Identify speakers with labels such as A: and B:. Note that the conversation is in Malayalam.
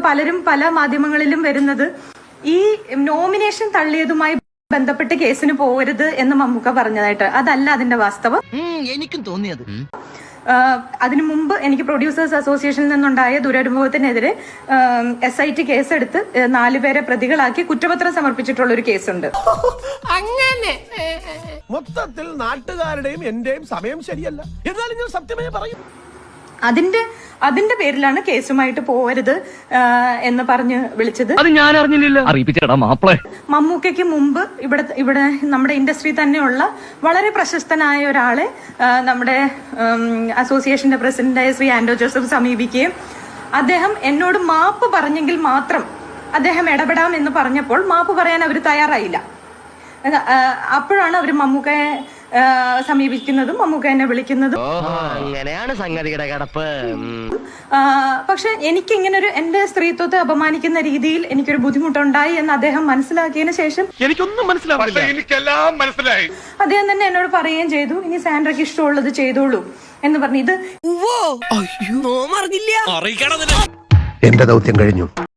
A: പലരും പല മാധ്യമങ്ങളിലും വരുന്നത് ഈ നോമിനേഷൻ തള്ളിയതുമായി ബന്ധപ്പെട്ട് കേസിന് പോകരുത് എന്ന് മമ്മൂക്ക പറഞ്ഞതായിട്ട്. അതല്ല അതിന്റെ വാസ്തവം.
B: എനിക്കും തോന്നിയത്
A: അതിനു മുമ്പ് എനിക്ക് പ്രൊഡ്യൂസേഴ്സ് അസോസിയേഷനിൽ നിന്നുണ്ടായ ദുരനുഭവത്തിനെതിരെ SIT കേസെടുത്ത് 4 പേരെ പ്രതികളാക്കി കുറ്റപത്രം സമർപ്പിച്ചിട്ടുള്ള ഒരു കേസുണ്ട്.
C: അങ്ങനെ
D: മൊത്തത്തിൽ നാട്ടുകാരുടെയും എന്റെയും സമയം ശരിയല്ല. എന്നാലും ഞാൻ സത്യമേ പറയും.
A: അതിന്റെ പേരിലാണ് കേസുമായിട്ട് പോകരുത് എന്ന് പറഞ്ഞ് വിളിച്ചത്.
E: അത് ഞാൻ അറിഞ്ഞില്ല. അറിയിപ്പിച്ചേടാ മാപ്പിളെ.
A: മമ്മൂക്കയ്ക്ക് മുമ്പ് ഇവിടെ നമ്മുടെ ഇൻഡസ്ട്രി തന്നെയുള്ള വളരെ പ്രശസ്തനായ ഒരാളെ നമ്മുടെ അസോസിയേഷന്റെ പ്രസിഡന്റായ ശ്രീ ആൻഡോ ജോസഫ് സമീപിക്കുകയും അദ്ദേഹം എന്നോട് മാപ്പ് പറഞ്ഞെങ്കിൽ മാത്രം അദ്ദേഹം ഇടപെടാം എന്ന് പറഞ്ഞപ്പോൾ മാപ്പ് പറയാൻ അവർ തയ്യാറായില്ല. അപ്പോഴാണ് അവർ മമ്മൂക്കയെ സമീപിക്കുന്നതും മമ്മൂക്ക എന്നെ വിളിക്കുന്നതും.
B: അങ്ങനെയാണ് സംഗതിയുടെ കിടപ്പ്.
A: പക്ഷെ എനിക്ക് ഇങ്ങനൊരു എന്റെ സ്ത്രീത്വത്തെ അപമാനിക്കുന്ന രീതിയിൽ എനിക്കൊരു ബുദ്ധിമുട്ടുണ്ടായി എന്ന് അദ്ദേഹം മനസ്സിലാക്കിയതിനു ശേഷം
D: എനിക്കൊന്നും മനസ്സിലാവില്ല. എനിക്കെല്ലാം മനസ്സിലായി.
A: അദ്ദേഹം തന്നെ എന്നോട് പറയുകയും ചെയ്തു, ഇനി സാൻഡ്രയ്ക്ക് ഇഷ്ടമുള്ളത് ചെയ്തോളൂ എന്ന് പറഞ്ഞു. ഇത്
C: അറിയില്ല
D: എന്റെ ദൗത്യം കഴിഞ്ഞു.